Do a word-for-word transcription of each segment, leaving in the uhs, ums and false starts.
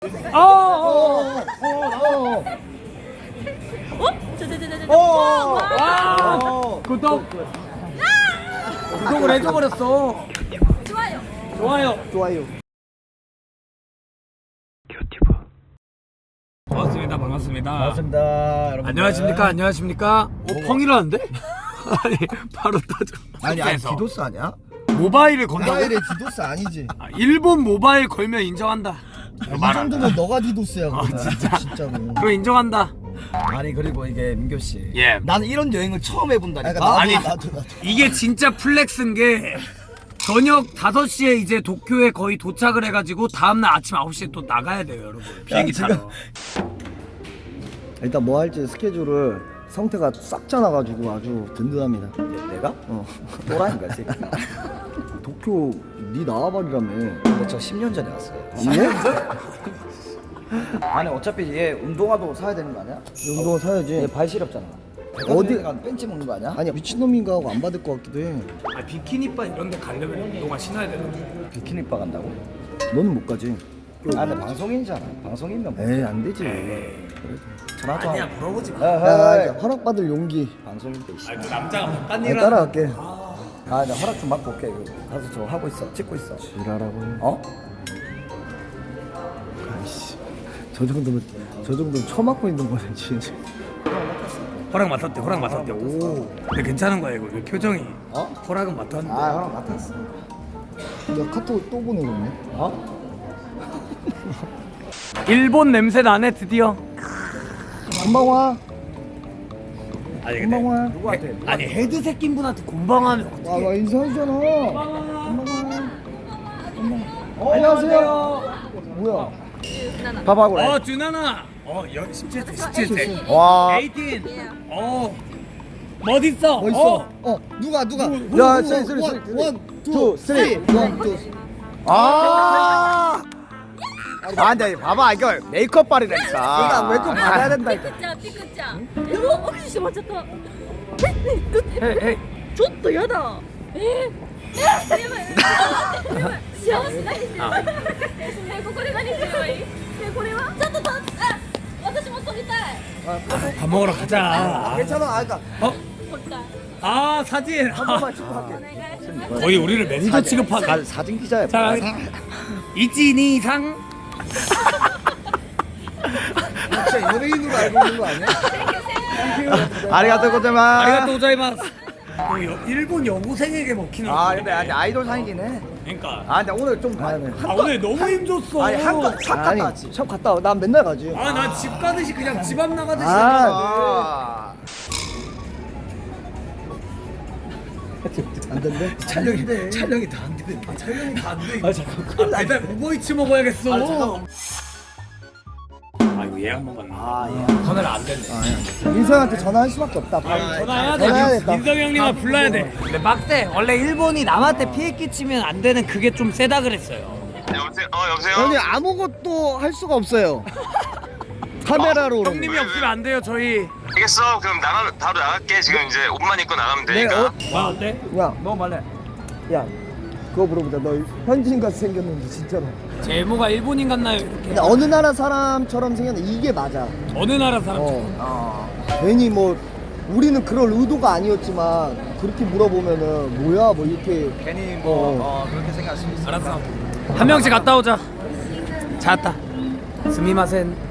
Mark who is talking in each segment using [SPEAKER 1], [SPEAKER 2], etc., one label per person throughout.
[SPEAKER 1] 어, 어, 어,
[SPEAKER 2] 어? 저저저저저.
[SPEAKER 1] 어,
[SPEAKER 2] 와.
[SPEAKER 1] 와, 구독. 구독을 해줘버렸어.
[SPEAKER 2] 좋아요.
[SPEAKER 1] 좋아요.
[SPEAKER 3] 좋아요.
[SPEAKER 1] 큐티브. 반갑습니다. 반갑습니다.
[SPEAKER 3] 반갑습니다. 여러분.
[SPEAKER 1] 안녕하십니까? 안녕하십니까? 어, 펑이라는데? 아니, 바로 터져.
[SPEAKER 3] 아니 아니
[SPEAKER 1] 숙제에서.
[SPEAKER 3] 디도스 아니야?
[SPEAKER 1] 모바일을 건다고?
[SPEAKER 3] 모바일에 디도스 아니지.
[SPEAKER 1] 아, 일본 모바일 걸면 인정한다.
[SPEAKER 3] 아, 이 정도면 너가 디도스야.
[SPEAKER 1] 아,
[SPEAKER 3] 그러면.
[SPEAKER 1] 진짜?
[SPEAKER 3] 진짜로.
[SPEAKER 1] 그거 인정한다.
[SPEAKER 3] 아니 그리고 이게 민교 씨.
[SPEAKER 1] 예.
[SPEAKER 3] 나는 이런 여행을 처음 해본다니까.
[SPEAKER 1] 나도,
[SPEAKER 3] 아니
[SPEAKER 1] 나도,
[SPEAKER 3] 나도 나도.
[SPEAKER 1] 이게 진짜 플렉스인 게 저녁 다섯 시에 이제 도쿄에 거의 도착을 해가지고 다음날 아침 아홉 시에 또 나가야 돼요, 여러분. 비행기
[SPEAKER 3] 지금-
[SPEAKER 1] 타러.
[SPEAKER 3] 일단 뭐 할지 스케줄을 성태가 싹 짜놔가지고 아주 든든합니다. 내가? 어. 또라이인가 이 새끼. 도쿄 니 나와버리라며. 근데 저 십 년 전에 왔어요. 예? 아니 어차피 얘 운동화도 사야 되는 거 아니야? 운동화 사야지. 얘 발 시렵잖아. 어디 가 벤치 먹는 거 아니야? 아니야 미친놈인가 하고 안 받을 것 같기도 해.
[SPEAKER 1] 아, 비키니바 이런 데 가려면 운동화 신어야 되는데.
[SPEAKER 3] 비키니바 간다고? 너는 못 가지. 아 근데 방송인이잖아. 방송인면 뭐. 에이 안 되지. 전화도
[SPEAKER 1] 아니야,
[SPEAKER 3] 하고.
[SPEAKER 1] 물어보지 마.
[SPEAKER 3] 야, 야, 허락받을 용기. 방송인데. 씨.
[SPEAKER 1] 아, 그 남자가 바깥
[SPEAKER 3] 아,
[SPEAKER 1] 일을
[SPEAKER 3] 따라갈게. 아, 나 허락 좀 받고 올게. 이거. 가서 저 하고 있어. 찍고 있어. 지랄하고. 어? 아이씨. 저 정도면 저 정도면 처맞고 있는 거네, 진짜.
[SPEAKER 1] 허락 맡았대, 허락 맡았대. 오, 근데 괜찮은 거야 이거. 왜 표정이?
[SPEAKER 3] 어?
[SPEAKER 1] 허락은 맡았는데.
[SPEAKER 3] 아, 허락 맡았어. 야, 카톡 또 보내줬네. 어?
[SPEAKER 1] 일본 냄새 나네 드디어.
[SPEAKER 3] 금방 와.
[SPEAKER 1] 아니
[SPEAKER 3] 금방 와.
[SPEAKER 1] 누구한테? 아니 헤드 새낀 분한테 곤방하면
[SPEAKER 3] 와,
[SPEAKER 1] 어떡해?
[SPEAKER 3] 와 인사하잖아. 금방 와. 금방. 어, 안녕하세요. 뭐야? 밥하고 그래.
[SPEAKER 1] 어, 준하나. 어, 여, 십칠 세, 십칠 세.
[SPEAKER 3] 와.
[SPEAKER 1] 에이틴. 어, 멋있어.
[SPEAKER 3] 뭐 있어?
[SPEAKER 1] 어.
[SPEAKER 3] 어, 누가 누가?
[SPEAKER 1] 누구,
[SPEAKER 3] 야,
[SPEAKER 1] 누구,
[SPEAKER 3] 쓰리 쓰리
[SPEAKER 1] 누구?
[SPEAKER 3] 쓰리.
[SPEAKER 4] 원,
[SPEAKER 3] 투, 쓰리. 원, 투. 아. 아, 근데 봐봐 이거 메이크업 발이라니까. 그러니까 메이크업 받아야 된다.
[SPEAKER 2] 삐끗자 삐끗자. 여보 어디 좀 맞췄다.
[SPEAKER 1] 헤이, 헤이.
[SPEAKER 2] ちょっとやだ。えー、えー、やばい。やばい。幸せないですよ。
[SPEAKER 1] あ
[SPEAKER 2] え、ここで何すればいい？え、これは？ちょっとと、あ、私も撮りたい。
[SPEAKER 1] 밥 먹으러 가자.
[SPEAKER 3] 괜찮아. 아, 그러니까
[SPEAKER 1] 어?
[SPEAKER 2] 撮りたい。
[SPEAKER 1] 아, 사진.
[SPEAKER 3] 한 번만 축하할게.
[SPEAKER 2] お願いします。
[SPEAKER 1] 거의 우리를 매니저 취급하네.
[SPEAKER 3] 사진 기자야.
[SPEAKER 1] 자, 이진이상.
[SPEAKER 3] 진짜 연예인으로 알고 있는 거 아니야? 아리가또 고자마.
[SPEAKER 1] 아리가또 고자이마스. 어, 여- 일본 여고생에게 먹히는.
[SPEAKER 3] 아,
[SPEAKER 1] 건데.
[SPEAKER 3] 근데 아니 아이돌 상이긴 해.
[SPEAKER 1] 그러니까.
[SPEAKER 3] 아, 근데 오늘 좀
[SPEAKER 1] 아, 오늘 너무 힘줬어.
[SPEAKER 3] 아니 한껏 샵 갔다 왔지. 샵 갔다 와. 난 맨날 가지.
[SPEAKER 1] 아, 나 집 가듯이 그냥 집 앞 나가듯이.
[SPEAKER 3] 아. 안 된대?
[SPEAKER 1] 촬영이 촬영이 다 안 되는데. 아, 촬영이 다 안 돼. 아, 잠깐. 아, 배달 우버이츠 먹어야겠어. 아, 아, 이거 예약 먹었나? 아, 예. 전화를 안 됐네.
[SPEAKER 3] 민서한테 전화할 수밖에 없다.
[SPEAKER 1] 아, 전화해야
[SPEAKER 3] 전화해야겠다.
[SPEAKER 1] 돼. 민성 형님을 불러야 돼. 근데 빡세. 원래 일본이 남한테 피해 끼치면 안 되는 그게 좀 세다 그랬어요.
[SPEAKER 5] 여보세요? 어 여보세요?
[SPEAKER 3] 형님 아무것도 할 수가 없어요. 카메라로 오는
[SPEAKER 1] 형님이
[SPEAKER 3] 거.
[SPEAKER 1] 없으면 안 돼요, 저희.
[SPEAKER 5] 알겠어. 그럼 나가 바로 나갈게. 지금 이제 옷만 입고 나가면
[SPEAKER 3] 네,
[SPEAKER 5] 되니까.
[SPEAKER 3] 어?
[SPEAKER 1] 와, 어때?
[SPEAKER 3] 야,
[SPEAKER 1] 너 말래.
[SPEAKER 3] 야, 그거 물어보자. 너 현지인같이 생겼는지 진짜로.
[SPEAKER 1] 제 외모가 일본인 같나요? 이렇게.
[SPEAKER 3] 근데 어느 나라 사람처럼 생겼는데 이게 맞아.
[SPEAKER 1] 어느 나라 사람?
[SPEAKER 3] 어. 괜히 뭐 우리는 그럴 의도가 아니었지만 그렇게 물어보면은 뭐야 뭐 이렇게
[SPEAKER 5] 괜히
[SPEAKER 3] 뭐,
[SPEAKER 5] 어, 그렇게 생각할 수 있어.
[SPEAKER 1] 알았어. 한 명씩 갔다 오자. 잘했다. 스미마센.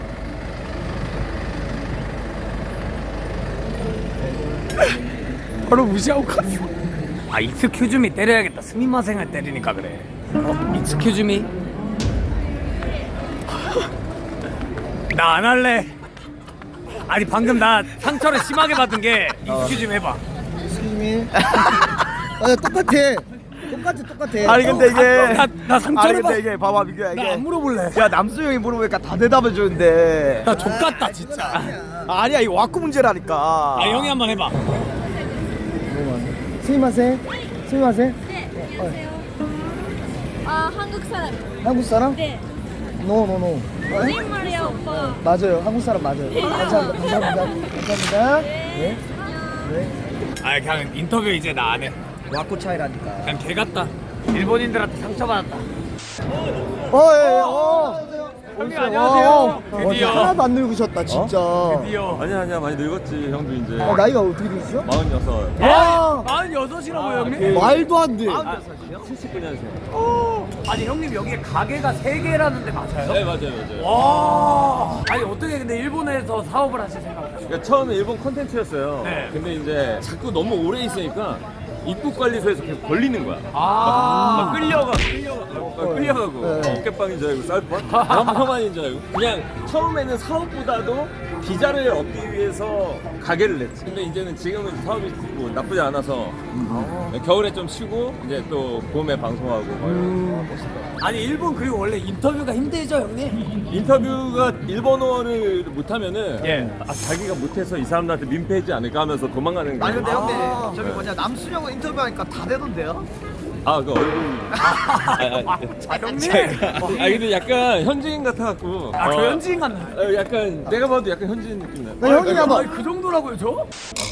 [SPEAKER 1] 바로 무시하고 갔어. 아, 익스큐즈미 때려야겠다. 스미마센을 때리니까 그래. 어, 익스큐즈미. 나 안 할래. 아니 방금 나 상처를 심하게 받은 게 익스큐즈미 해봐.
[SPEAKER 3] 스님이 아 똑같아 똑같아 똑같아.
[SPEAKER 5] 아니 근데 이게
[SPEAKER 1] 나, 나 상처를
[SPEAKER 5] 아니
[SPEAKER 1] 받.
[SPEAKER 5] 근데 이게 봐봐 민규야
[SPEAKER 1] 나
[SPEAKER 5] 이게
[SPEAKER 1] 안 물어볼래.
[SPEAKER 5] 야 남수 형이 물어보니까 다 대답해 주는데
[SPEAKER 1] 나 족같다 진짜.
[SPEAKER 5] 아니야 이거 와꾸 문제라니까.
[SPEAKER 1] 아, 형이 한번 해봐.
[SPEAKER 3] 스미마세 스미마세
[SPEAKER 2] 네, 안녕하세요. 아, 한국 사람.
[SPEAKER 3] 한국 사람?
[SPEAKER 2] 네.
[SPEAKER 3] 노노노
[SPEAKER 2] 거짓말이야, 오빠.
[SPEAKER 3] 맞아요 한국 사람 맞아요. 감사합니다 감사합니다 감사합니다. 네. 네.
[SPEAKER 1] 아, 그냥 인터뷰 이제 나 안 해.
[SPEAKER 3] 와꾸 차이라니까.
[SPEAKER 1] 그냥 개 같다. 일본인들한테 상처받았다.
[SPEAKER 3] 어, 예, 예, 어.
[SPEAKER 1] 형님
[SPEAKER 3] 와,
[SPEAKER 1] 안녕하세요.
[SPEAKER 3] 와,
[SPEAKER 1] 드디어.
[SPEAKER 3] 하나도 안 늙으셨다 진짜.
[SPEAKER 1] 드디어.
[SPEAKER 4] 아니야 아니야 많이 늙었지 형도 이제
[SPEAKER 3] 아, 나이가 어떻게 되시죠?
[SPEAKER 4] 마흔여섯
[SPEAKER 3] 와,
[SPEAKER 1] 마흔여섯이라고요 형님?
[SPEAKER 3] 말도 안 돼.
[SPEAKER 4] 칠십구 년생
[SPEAKER 1] 아니 형님 여기에 가게가 세 개라는데 맞아요?
[SPEAKER 4] 네 맞아요 맞아요
[SPEAKER 1] 와. 아니 어떻게 근데 일본에서 사업을 하실 생각이에요?
[SPEAKER 4] 그러니까 처음에 일본 컨텐츠였어요
[SPEAKER 1] 네.
[SPEAKER 4] 근데 이제 자꾸 너무 오래 있으니까 입국관리소에서 계속 걸리는 거야
[SPEAKER 1] 아.
[SPEAKER 4] 막 끌려가 끌려가 막 끌려가고
[SPEAKER 3] 네.
[SPEAKER 4] 어깨빵인 줄 알고 쌀뻔 험한인 줄 알고 그냥 처음에는 사업보다도 비자를 얻기 위해서 가게를 냈지 근데 이제는 지금은 사업이 뭐 나쁘지 않아서 겨울에 좀 쉬고 이제 또 봄에 방송하고 막
[SPEAKER 1] 아니 일본 그리고 원래 인터뷰가 힘들죠 형님?
[SPEAKER 4] 인터뷰가 일본어를 못하면은
[SPEAKER 1] 예.
[SPEAKER 4] 아, 자기가 못해서 이 사람들한테 민폐하지 않을까 하면서 도망가는 거예요.
[SPEAKER 6] 아니 근데 형님 저기 뭐냐 남순영은 인터뷰하니까 다 되던데요?
[SPEAKER 4] 아, 그 얼굴. 아, 아,
[SPEAKER 1] 아 형님.
[SPEAKER 4] 아, 근데 약간 현지인 같아갖고.
[SPEAKER 1] 아, 저
[SPEAKER 4] 어,
[SPEAKER 1] 현지인 같나요?
[SPEAKER 4] 어, 약간 내가 봐도 약간 현지인 느낌 나.
[SPEAKER 3] 나 형님 한번.
[SPEAKER 1] 아니 그 정도라고요 저?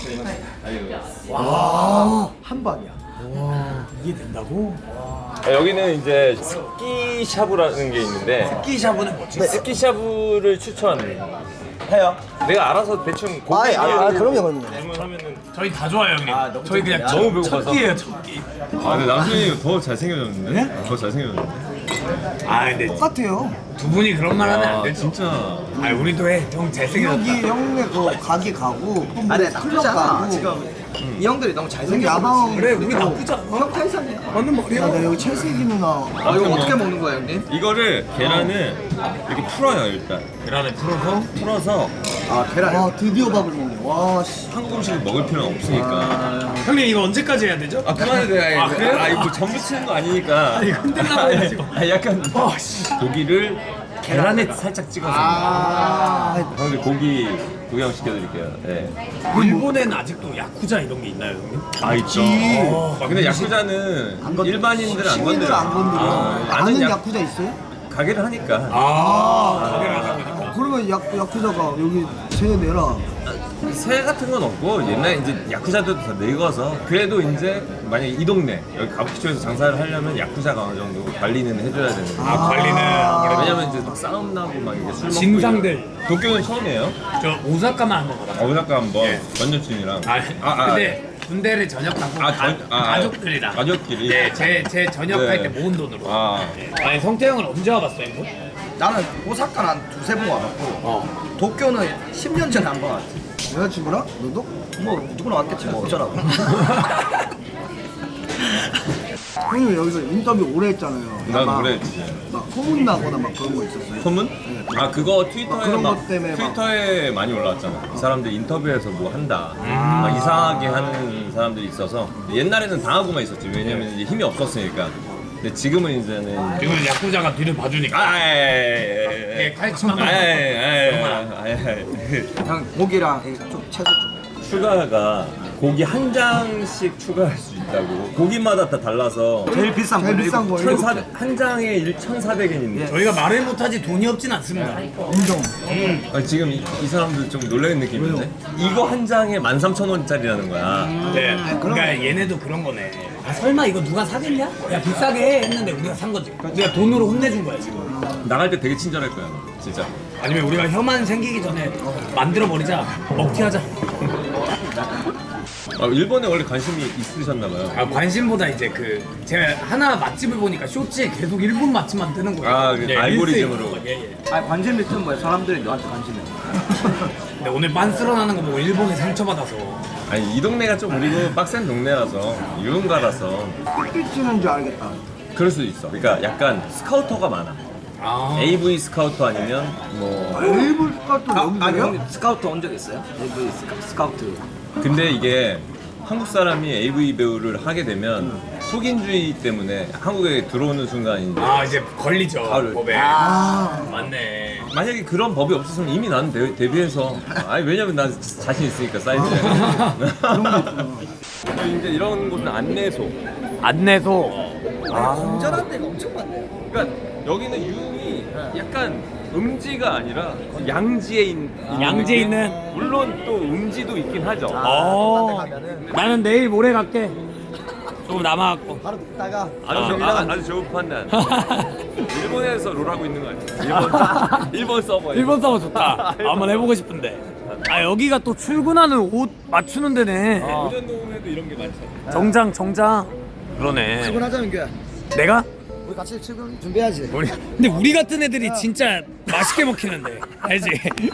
[SPEAKER 6] 한 방이야.
[SPEAKER 1] 이게 된다고?
[SPEAKER 4] 아, 여기는 이제 스키샤브라는 게 있는데
[SPEAKER 1] 끼샤브는 뭐지?
[SPEAKER 4] 스키샤브를 추천해요. 내가 알아서 대충
[SPEAKER 3] 아,
[SPEAKER 4] 고기
[SPEAKER 3] 아, 아, 그럼요, 그럼요.
[SPEAKER 4] 주문하면은.
[SPEAKER 1] 저희 다 좋아요 형님. 저희 그냥
[SPEAKER 4] 너무 배고파서.
[SPEAKER 1] 첫 끼예요 첫 끼.
[SPEAKER 4] 아, 근데 남순이 더 잘생겨졌는데? 더 잘생겨졌는데?
[SPEAKER 1] 아 근데
[SPEAKER 3] 똑같아요.
[SPEAKER 1] 두 분이 그런 말 하면 안
[SPEAKER 4] 아,
[SPEAKER 1] 되죠.
[SPEAKER 4] 진짜.
[SPEAKER 1] 아 우리도 해. 형 잘생겼다.
[SPEAKER 3] 여기 형네 그 가게 가고 또 뭐
[SPEAKER 6] 아니
[SPEAKER 3] 클럽
[SPEAKER 6] 나쁘지 않아.
[SPEAKER 3] 가고.
[SPEAKER 6] 지금 이 형들이 너무
[SPEAKER 3] 여기
[SPEAKER 6] 잘생겨서
[SPEAKER 3] 야방.
[SPEAKER 1] 그래 우리 나쁘지 않아.
[SPEAKER 6] 형 텐션이야.
[SPEAKER 1] 맞는 말이야.
[SPEAKER 3] 야, 나 여기 첼세기 누나.
[SPEAKER 6] 아 이거 어떻게 먹는 거야 형님?
[SPEAKER 4] 이거를 계란을 이렇게 풀어요 일단
[SPEAKER 1] 계란에 풀어서
[SPEAKER 4] 풀어서
[SPEAKER 6] 아 계란.
[SPEAKER 3] 와, 드디어 밥을 먹네. 와, 씨.
[SPEAKER 4] 한국 음식을 먹을 필요는 없으니까
[SPEAKER 1] 형님 이거 언제까지 해야 되죠?
[SPEAKER 4] 아 그만해도 돼
[SPEAKER 1] 아, 그래요?
[SPEAKER 4] 아 이거 전부 치는 거 아니니까
[SPEAKER 1] 아니, 흔들려고 해요, 지금.
[SPEAKER 4] 아 약간
[SPEAKER 1] 아, 씨.
[SPEAKER 4] 고기를 계란에 살짝 찍어서
[SPEAKER 3] 아,
[SPEAKER 4] 형들 고기 구경 시켜드릴게요 네.
[SPEAKER 1] 일본에는 아직도 야쿠자 이런 게 있나요 형님?
[SPEAKER 4] 아 있죠
[SPEAKER 1] 어,
[SPEAKER 4] 근데 야쿠자는
[SPEAKER 3] 안 건드-
[SPEAKER 4] 일반인들은 안
[SPEAKER 3] 시민들은
[SPEAKER 4] 건드려
[SPEAKER 3] 안 건드려.
[SPEAKER 4] 아,
[SPEAKER 3] 아는
[SPEAKER 4] 아는 야,
[SPEAKER 3] 야쿠자 있어요?
[SPEAKER 4] 가게를 하니까
[SPEAKER 1] 아 가게를 하다 보니까.
[SPEAKER 3] 그러면 야, 야쿠자가 여기 쟤 내라.
[SPEAKER 4] 새 같은 건 없고 옛날에 이제 야쿠자도 다 늙어서 그래도 이제 만약에 이 동네 여기 가부키초에서 장사를 하려면 야쿠자가 어느 정도 관리는 해줘야 되는 거예요.
[SPEAKER 1] 아 관리는 아무래도
[SPEAKER 4] 왜냐면 이제 막 싸움 나고 막 이게 술 먹고
[SPEAKER 1] 진상들.
[SPEAKER 4] 이러고. 도쿄는 처음이에요?
[SPEAKER 1] 저 오사카만 한번 가봤어요.
[SPEAKER 4] 어, 오사카 한번
[SPEAKER 1] 예.
[SPEAKER 4] 전 여친이랑
[SPEAKER 1] 아, 근데 군대를 전역하고
[SPEAKER 4] 아, 전-
[SPEAKER 1] 가,
[SPEAKER 4] 아,
[SPEAKER 1] 가족들이랑
[SPEAKER 4] 가족끼리?
[SPEAKER 1] 네, 제, 제 전역할
[SPEAKER 4] 네.
[SPEAKER 1] 때 모은 돈으로.
[SPEAKER 4] 아.
[SPEAKER 1] 네. 아니 성태형은 언제 와봤어요 이거?
[SPEAKER 6] 나는 오사카는 한 두세 번 와봤고
[SPEAKER 1] 어.
[SPEAKER 6] 도쿄는 십 년 전에 한 번 왔지.
[SPEAKER 3] 여자친구랑? 너도?
[SPEAKER 6] 뭐 누구나 왔겠지 뭐 어쩌라고.
[SPEAKER 3] 형님 여기서 인터뷰 오래 했잖아요.
[SPEAKER 4] 난
[SPEAKER 3] 막-
[SPEAKER 4] 오래 했지.
[SPEAKER 3] 막 소문 나거나 막 그런 거 있었어요.
[SPEAKER 4] 소문? 아 그거
[SPEAKER 3] 막
[SPEAKER 4] 트위터에
[SPEAKER 3] 그런
[SPEAKER 4] 막,
[SPEAKER 3] 것 때문에 막-
[SPEAKER 4] 트위터에 많이 올라왔잖아. 이 사람들 인터뷰에서 뭐 한다. 막 이상하게 하는 사람들이 있어서 옛날에는 당하고만 있었지. 왜냐면 이제 힘이 없었으니까. 근데 지금은 이제는
[SPEAKER 1] 지금 야쿠자가 뒤를 봐주니까.
[SPEAKER 4] 아,
[SPEAKER 1] 예, 칼치만.
[SPEAKER 6] 형 고기랑 이 좀 채소 좀.
[SPEAKER 4] 추가가 고기 한 장씩 추가할 수 있다고. 고기마다 다 달라서
[SPEAKER 6] 제일 비싼
[SPEAKER 3] 제일
[SPEAKER 6] 거
[SPEAKER 3] 비싼 거
[SPEAKER 4] 천사
[SPEAKER 3] 일곱 개.
[SPEAKER 4] 한 장에 천사백 엔인데
[SPEAKER 1] 저희가 말을 못하지 돈이 없진 않습니다.
[SPEAKER 3] 인정.
[SPEAKER 4] 아, 지금 이, 이 사람들 좀 놀라는 느낌인데 이거 한 장에 만 삼천 원짜리라는 거야.
[SPEAKER 1] 네. 그러니까 얘네도 그런 거네. 아 설마 이거 누가 사겠냐? 야 비싸게 해 했는데 우리가 산 거지. 우리가 돈으로 혼내준 거야 지금.
[SPEAKER 4] 나갈 때 되게 친절할 거야, 너. 진짜.
[SPEAKER 1] 아니면 우리가 혐한 생기기 전에 만들어 버리자. 먹튀하자.
[SPEAKER 4] 아, 일본에 원래 관심이 있으셨나 봐요.
[SPEAKER 1] 아 관심보다 이제 그 제가 하나 맛집을 보니까 쇼츠에 계속 일본 맛집만 뜨는 거예요.
[SPEAKER 4] 아, 그 알고리즘으로.
[SPEAKER 1] 릴스에 있는 거. 예, 예.
[SPEAKER 6] 아 관심 있으면 뭐야 사람들이 너한테 관심이.
[SPEAKER 1] 근데 오늘 빤스러 나는 거 보고 일본에 상처받아서.
[SPEAKER 4] 아니, 이 동네가 좀 그리고 빡센 동네라서 유흥가라서
[SPEAKER 3] 삐 찌는 줄 알겠다.
[SPEAKER 4] 그럴 수도 있어. 그러니까 약간 스카우터가 많아.
[SPEAKER 1] 아.
[SPEAKER 4] 에이브이 스카우터 아니면 뭐.
[SPEAKER 3] 일본 스카우트
[SPEAKER 6] 아,
[SPEAKER 3] 여기
[SPEAKER 6] 아니
[SPEAKER 3] 돼요?
[SPEAKER 6] 형님 스카우트 온 적 있어요? 에이브이 스카, 스카우트.
[SPEAKER 4] 근데 이게 한국 사람이 에이브이 배우를 하게 되면 속인주의 때문에 한국에 들어오는 순간 이제
[SPEAKER 1] 아 이제 걸리죠
[SPEAKER 4] 바로.
[SPEAKER 1] 법에.
[SPEAKER 3] 아,
[SPEAKER 1] 맞네.
[SPEAKER 4] 만약에 그런 법이 없었으면 이미 나는 데, 데뷔해서 아니 왜냐면 난 자신 있으니까 사이즈에 이제 이런 곳은 안내소.
[SPEAKER 1] 안내소.
[SPEAKER 6] 건전한 데가 엄청 많네요.
[SPEAKER 4] 그러니까 여기는 유흥이 약간 음지가 아니라 양지에 있는
[SPEAKER 1] 양지에
[SPEAKER 4] 느낌?
[SPEAKER 1] 있는.
[SPEAKER 4] 물론 또 음지도 있긴 하죠.
[SPEAKER 1] 어.
[SPEAKER 6] 가면은
[SPEAKER 1] 나는 내일 모레 갈게. 조금 남아갖고.
[SPEAKER 6] 바로 듣다가
[SPEAKER 4] 아주, 아, 아주 좋은 판단. 일본에서 롤하고 있는 거 아니야? 일본 일본 서버.
[SPEAKER 1] 일본 서버 좋다. 한번 해보고 싶은데. 아 여기가 또 출근하는 옷 맞추는 데네.
[SPEAKER 4] 오전동에도 이런 게 많잖아.
[SPEAKER 1] 정장 정장. 그러네.
[SPEAKER 3] 출근하자 민규야.
[SPEAKER 1] 내가?
[SPEAKER 3] 우리 같이 출근 준비해야지.
[SPEAKER 1] 우리 근데 우리 같은 애들이 진짜 맛있게 먹히는데 알지?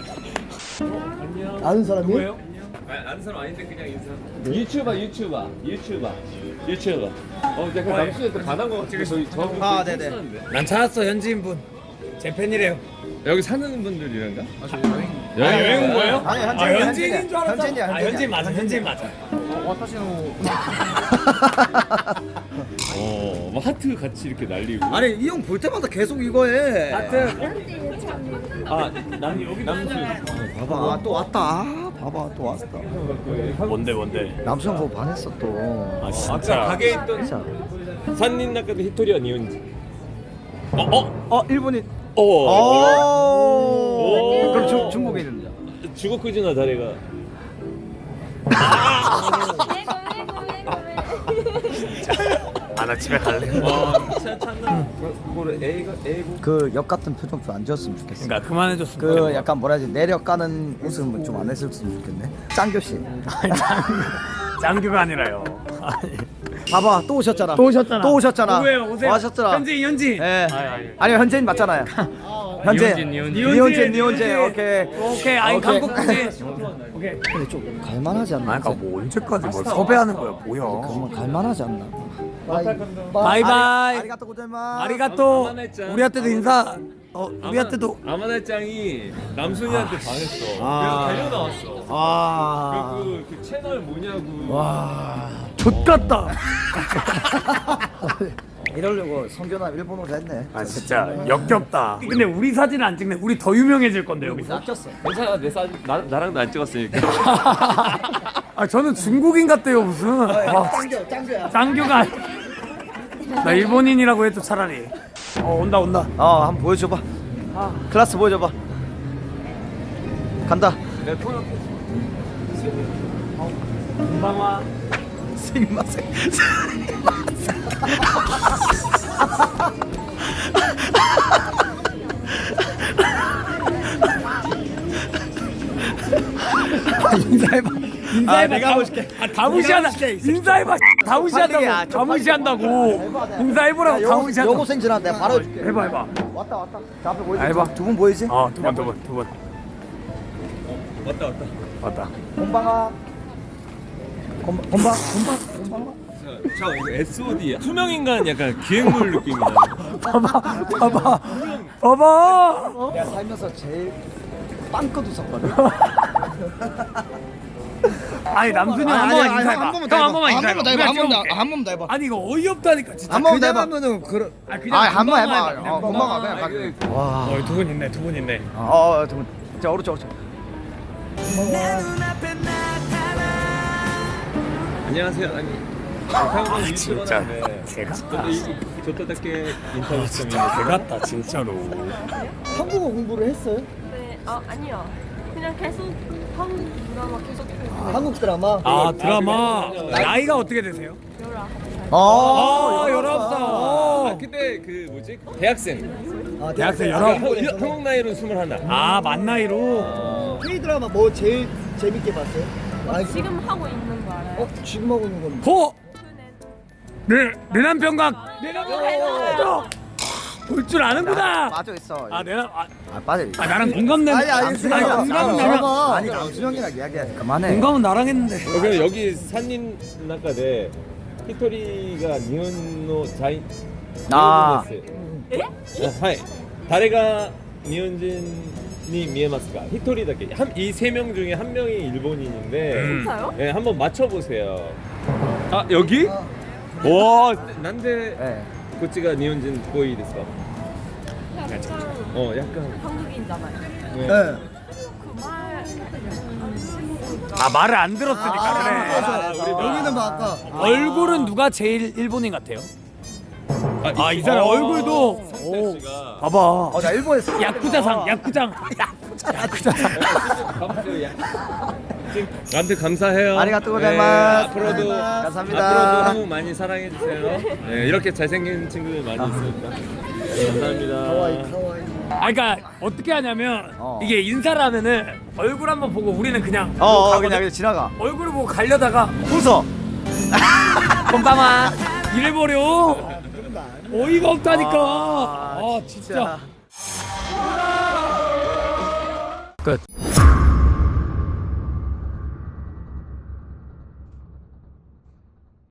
[SPEAKER 3] 아는 사람이?
[SPEAKER 1] 누구예요?
[SPEAKER 4] 아, 아는 사람 아닌데 그냥 인사. 유튜버 유튜버 유튜버 유튜버. 어 약간 남수한테 반한 거 같아. 저희 저.
[SPEAKER 6] 아, 네네.
[SPEAKER 1] 난 찾았어 현지인 분. 제 팬이래요.
[SPEAKER 4] 여기 사는 분들이란가?
[SPEAKER 6] 아, 저 여행.
[SPEAKER 1] 아, 여행 온 거예요?
[SPEAKER 6] 아니,
[SPEAKER 1] 아,
[SPEAKER 6] 현지인이야,
[SPEAKER 1] 현지인인 줄 알았어.
[SPEAKER 6] 현지인이야,
[SPEAKER 1] 아,
[SPEAKER 6] 현지인이야.
[SPEAKER 1] 현지인 맞아, 현지인 맞아.
[SPEAKER 6] 와타시노.
[SPEAKER 4] 어, 뭐 하트 같이 이렇게 날리고.
[SPEAKER 6] 아니, 이 형 볼 때마다 계속 이거 해.
[SPEAKER 1] 하여튼
[SPEAKER 4] 아, 남 여기 남수.
[SPEAKER 3] 봐봐, 아, 또 왔다. 아, 봐봐, 또 왔다.
[SPEAKER 1] 뭔데 뭔데?
[SPEAKER 3] 남수형 보고 반했어 또.
[SPEAKER 1] 아
[SPEAKER 4] 아까
[SPEAKER 1] 진짜.
[SPEAKER 4] 가게에 있던
[SPEAKER 3] 자,
[SPEAKER 4] 산린 나카도 히토리와 니온지.
[SPEAKER 1] 어 어?
[SPEAKER 6] 어, 일본인.
[SPEAKER 4] 어.
[SPEAKER 6] 오. 그럼 중 중국에 있는 자.
[SPEAKER 4] 주고쿠즈나 다레가.
[SPEAKER 1] 아 나 집에 갈래.
[SPEAKER 4] 그거를 A가 A고.
[SPEAKER 3] 그 역 같은 표정 좀 안 지었으면 좋겠어.
[SPEAKER 1] 그러니까 그만해줬으면
[SPEAKER 3] 그
[SPEAKER 1] 좋겠네.
[SPEAKER 3] 약간 뭐라 해야지 내력 까는 웃음은 좀 안 했었으면 좋겠네. 짱교 씨.
[SPEAKER 1] 아니, 짱- 짱규가 아니라요. 아니.
[SPEAKER 3] 봐봐, 또 오셨잖아.
[SPEAKER 1] 또 오셨잖아.
[SPEAKER 3] 또 오셨잖아.
[SPEAKER 1] 오세요 오세요.
[SPEAKER 3] 와셨잖아.
[SPEAKER 1] 현지인 현지인.
[SPEAKER 3] 예.
[SPEAKER 1] 아니, 아니.
[SPEAKER 3] 아니요, 현재인 맞잖아요. 현재.
[SPEAKER 1] 니혼진, 니혼진.
[SPEAKER 3] 니혼진, 니혼진. 오케이.
[SPEAKER 1] 오케이 아니
[SPEAKER 3] 오케이.
[SPEAKER 1] 한국까지. 오케이.
[SPEAKER 3] 근데 좀 갈만하지 않나?
[SPEAKER 1] 아 그러니까 뭐 언제까지 뭘 섭외하는 거야 뭐야?
[SPEAKER 3] 그러면 갈만하지 않나?
[SPEAKER 1] 바이바이.
[SPEAKER 3] 아리가또 고자이마스.
[SPEAKER 1] 아리가또.
[SPEAKER 4] 아마나짱.
[SPEAKER 1] 우리한테도 인사. 어 우리한테도.
[SPEAKER 4] 아마나짱이 남순이한테 반했어.
[SPEAKER 3] 아.
[SPEAKER 4] 그래서 달려 나왔어.
[SPEAKER 3] 아.
[SPEAKER 4] 그, 그 채널 뭐냐고.
[SPEAKER 1] 와. 좆같다.
[SPEAKER 3] 이러려고 성교남 일본어로 했네.
[SPEAKER 1] 아 진짜 역겹다. 근데 우리 사진 안 찍네. 우리 더 유명해질 건데 여기서.
[SPEAKER 3] 낚였어.
[SPEAKER 4] 괜찮아 내 사진 나 나랑도 안 찍었으니까.
[SPEAKER 1] 아 저는 중국인 같대요 무슨. 와,
[SPEAKER 3] 짱교, 짱교야.
[SPEAKER 1] 짱규가. 아니- 나 일본인이라고 해도 차라리. 어 온다 온다.
[SPEAKER 3] 어, 한번 보여줘봐. 클래스 보여줘봐. 간다.
[SPEAKER 4] 내가 통역.
[SPEAKER 1] 금방와.
[SPEAKER 3] 스미마셍.
[SPEAKER 1] 인사해봐. 인사해봐.
[SPEAKER 3] 아, 내가 하고 싶게.
[SPEAKER 1] 아, 다 무시한다. 인사해봐. 다 무시한다고.
[SPEAKER 3] 야,
[SPEAKER 1] 다 무시한다고. 인사해보라고. 다 무시한다고.
[SPEAKER 3] 요거 생지나 내가 바로 해줄게.
[SPEAKER 1] 해봐 해봐.
[SPEAKER 3] 왔다 왔다. 자, 앞에 보이지?
[SPEAKER 1] 아, 해봐.
[SPEAKER 3] 두 분 보이지?
[SPEAKER 1] 어, 두 번, 두 번, 두 번.
[SPEAKER 4] 왔다 왔다.
[SPEAKER 1] 맞다.
[SPEAKER 3] 곤방아. 곤방, 곤방, 곤방, 곤방아.
[SPEAKER 4] 저 이거 에스오디야. 투명 인간 약간 기획물 느낌이 나.
[SPEAKER 1] 봐봐, 봐봐, 봐봐.
[SPEAKER 3] 내가 살면서 제일 빵꺼도 섰거든.
[SPEAKER 1] 아니 남순이 형 한 번만 인사해봐. 형 한 번만 인사해봐. 우리가 찍어볼게.
[SPEAKER 6] 한 번만 더 해봐.
[SPEAKER 1] 아니 이거 어이없다니까 진짜.
[SPEAKER 6] 한 번만 더 해봐.
[SPEAKER 3] 하면은 그런.
[SPEAKER 1] 아 그냥
[SPEAKER 6] 아, 한 번 해봐.
[SPEAKER 1] 금방만
[SPEAKER 6] 어,
[SPEAKER 1] 그냥
[SPEAKER 6] 금방
[SPEAKER 1] 금방.
[SPEAKER 6] 가 그냥 가.
[SPEAKER 3] 와.
[SPEAKER 1] 어, 두 분 있네, 두 분 있네.
[SPEAKER 3] 어, 어, 두 분. 자, 오른쪽, 오른쪽.
[SPEAKER 4] 안녕하세요. 아니. 아,
[SPEAKER 1] 진짜 개같다.
[SPEAKER 4] 저또답게 인터뷰 좀
[SPEAKER 1] 개같다 진짜로.
[SPEAKER 3] 한국어 공부를 했어요?
[SPEAKER 2] 네, 아 아니요. 그냥 계속 한국 드라마 계속 보고
[SPEAKER 3] 한국 드라마?
[SPEAKER 1] 아 드라마 나이가 어떻게 되세요?
[SPEAKER 2] 열아.
[SPEAKER 1] 아 열아홉 살.
[SPEAKER 4] 아
[SPEAKER 1] 어.
[SPEAKER 4] 근데 그 뭐지? 대학생.
[SPEAKER 3] 아,
[SPEAKER 1] 대학생
[SPEAKER 4] 아,
[SPEAKER 1] 열아홉.
[SPEAKER 4] 한- 한국 나이로 스물하나.
[SPEAKER 1] 아 만 나이로.
[SPEAKER 3] K 드라마 뭐 제일 재밌게 봤어요? 아,
[SPEAKER 2] 지금 하고 있는 거 알아요?
[SPEAKER 3] 어, 지금 하고 있는 건
[SPEAKER 1] 호.
[SPEAKER 2] 그는
[SPEAKER 1] 내 내남 병각. 내남 병각. 볼 줄 아는구나.
[SPEAKER 6] 빠져 있어.
[SPEAKER 1] 아 내남 아,
[SPEAKER 3] 아, 빠져.
[SPEAKER 1] 아 나랑 공감내.
[SPEAKER 3] 아니, 아니,
[SPEAKER 1] 남순이
[SPEAKER 3] 아니,
[SPEAKER 1] 형 공감은 나랑.
[SPEAKER 3] 아니, 남수형이랑 이야기해. 그만해.
[SPEAKER 1] 공감은 나랑 했는데.
[SPEAKER 4] 어, 그럼 여기 산린 나카데 히토리가 니혼노 자이.
[SPEAKER 3] 아.
[SPEAKER 4] 하이. 다레가 니혼진이 미에마스가 히토리だけ. 이세 명 중에 한 명이 일본인인데.
[SPEAKER 1] 음.
[SPEAKER 2] 진짜요?
[SPEAKER 4] 네, 한번 맞춰 보세요. 아, 여기? 와, 난데
[SPEAKER 3] 네.
[SPEAKER 4] こっちが 니혼진 보이ですか?
[SPEAKER 2] 약간
[SPEAKER 4] 어, 약간.
[SPEAKER 2] 한국인잖아요.
[SPEAKER 4] 네.
[SPEAKER 3] 네.
[SPEAKER 2] 그말
[SPEAKER 1] 아 말을 안 들었으니까 그래.
[SPEAKER 4] 아, 우리
[SPEAKER 3] 여기는 뭐 아까
[SPEAKER 1] 얼굴은 누가 제일 일본인 같아요? 아 이
[SPEAKER 4] 어,
[SPEAKER 1] 사람 얼굴도.
[SPEAKER 4] 성태
[SPEAKER 1] 오.
[SPEAKER 4] 씨가
[SPEAKER 1] 봐봐.
[SPEAKER 3] 어, 나 일본에서
[SPEAKER 1] 야쿠자상, 야쿠장, 야쿠자, 야쿠자상.
[SPEAKER 4] 나한테 감사해요.
[SPEAKER 3] 아리가또 고자이마스.
[SPEAKER 4] 앞으로도
[SPEAKER 3] 감사합니다.
[SPEAKER 4] 앞으로도 한국 많이 사랑해 주세요. 네, 이렇게 잘생긴 친구들 많이 있으니까. 감사합니다.
[SPEAKER 3] 카와이 카와이.
[SPEAKER 1] 아 그러니까 어떻게 하냐면
[SPEAKER 6] 어.
[SPEAKER 1] 이게 인사를 하면은 얼굴 한번 보고 우리는 그냥
[SPEAKER 6] 어, 어
[SPEAKER 1] 가거든?
[SPEAKER 6] 그냥 그냥 지나가.
[SPEAKER 1] 얼굴을 보고 가려다가
[SPEAKER 6] 웃어.
[SPEAKER 1] 꼼방아 이래버려. 어이가 없다니까.
[SPEAKER 6] 아,
[SPEAKER 1] 아 진짜. 끝.